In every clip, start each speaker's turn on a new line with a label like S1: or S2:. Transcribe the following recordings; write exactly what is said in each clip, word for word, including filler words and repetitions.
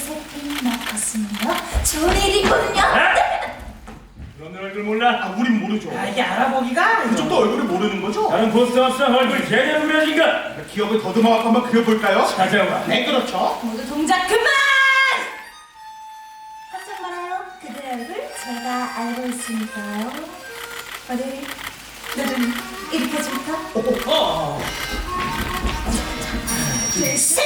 S1: 새끼 나갔으며 좋은 일이군요.
S2: 너네 얼굴 몰라?
S3: 아, 우린 모르죠.
S4: 아, 이게 알아보기가
S3: 그쪽도 얼굴을 모르는 거죠?
S2: 다른 포스터 없어 얼굴 제대로 그려진가?
S3: 기억을 더듬어 갖고 한번 그려볼까요?
S2: 찾아와.
S3: 네, 그렇죠.
S1: 모두 동작 그만! 깜짝 말아요. 그들의 얼굴 제가 알고 있으니까요. 어디 너좀 이렇게 해줄까?
S4: 어.
S1: 둘, 셋!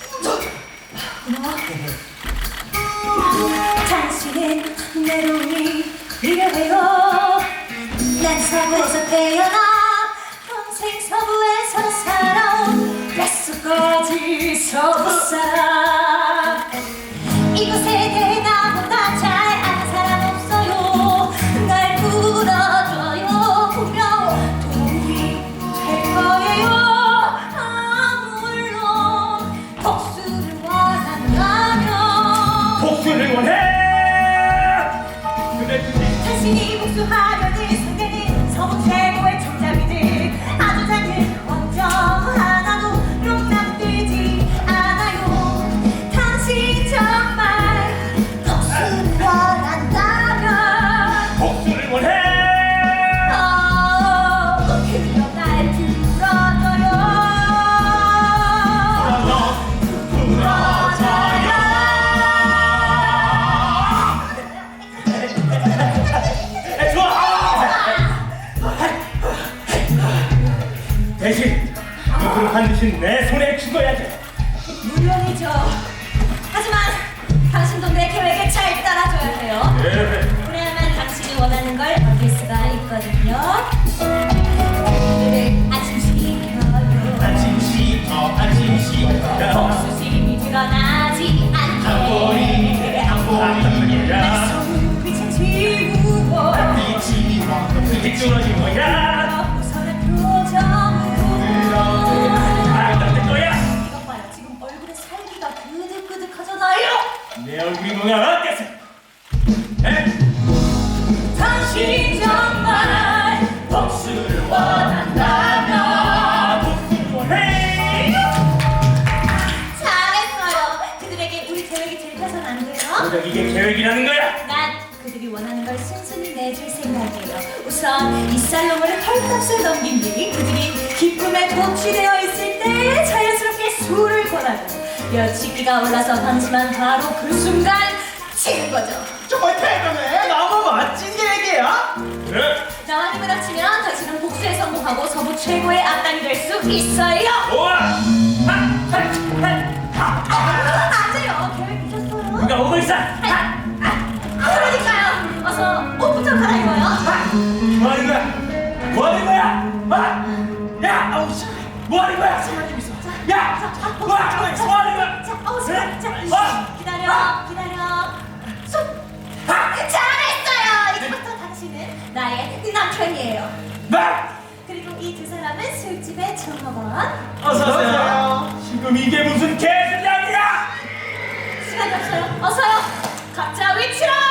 S1: 당신은 내로움이 필요해요. 난 서부에서 태어나 평생 서부에서 살아온 뼛속까지 서부 사람. 이곳에 대해 나보다 잘 아는 사람 없어요. 날 불러줘요. 분명 도움이 될 거예요. 아, 물론 복수를 원한다면.
S2: 복수를 원해! 근데 굳이
S1: 당신이 복수하려는 상대는 서부 최고의 총잡이들. 아주 작은 걱정 하나도 용납되지 않아요. 당신 정말 복수를 원한다면
S2: 복수를 원해!
S1: 어, 그럼 날 불러줘요.
S2: 에, 좋아! 대신 이걸 반드시 내 손에 쥐어야지.
S1: 물론이죠. 하지만 당신도 내 계획에 잘 따라줘야 해요.
S2: 예.
S1: 그래야만 당신이 원하는 걸 얻을 수가 있거든요. 오늘을 안심시켜요.
S3: 안심시켜, 안심시켜.
S1: 복수심이 드러나지 않게
S3: 안보리, 안보리.
S2: 야,
S1: 손빛은 지우고
S3: 빛이 와,
S2: 그게 뚫어진 거야.
S1: 무선한 표정으로
S2: 아, 나될 거야.
S1: 이것 봐요. 지금 얼굴에 살기가 그득그득하잖아요.
S2: 내 얼굴이 뭐가 어땠어? 에?
S1: 당신 정말 복수를 원한다면
S2: 복수를 원해!
S1: 잘했어요. 그들에게 우리 계획이 들켜선 안 돼요.
S2: 고작 이게 계획이라는 거야?
S1: 난 그들이 원하는 걸 순순히 내줄 생각이에요. 우선 이 살롱을 헐값을 넘긴 뒤 그들이 기쁨에 도취되어 있을 때 자연스럽게 술을 권하고 여치기가 올라서 던지만 바로 그 순간 치는 거죠.
S3: 정말 대단해.
S4: 너무 멋진 계획이에요.
S2: 그래?
S1: 나와 힘을 합치면 당신은 복수에 성공하고 서부 최고의 악당이 될 수 있어요.
S2: 좋아! 하! 하! 하! 하!
S1: 안 돼요. 계획 미쳤어요.
S2: 누가 오고 있어?
S1: 아, 아, 그러니까요. 어서 옷부터 갈아입어요.
S2: 뭐 하는 거야? 뭐 하는 거야? 아! 야! 아우 씨! 뭐 하는 거야? 사장님 있어. 야! 뭐 하는 거야? 뭐 하는 거야?
S1: 자, 어,
S2: 그래?
S1: 자, 자,
S2: 어!
S1: 기다려, 기다려. 손.
S2: 하!
S1: 잘했어요. 이제부터 당신은 나의 남편이에요.
S2: 뭐?
S1: 그리고 이 두 사람은 술집의 종업원.
S2: 어서 오세요. 지금 이게 무슨 개소리야?
S1: 시간이 없어요. 어서요. 각자 위치로.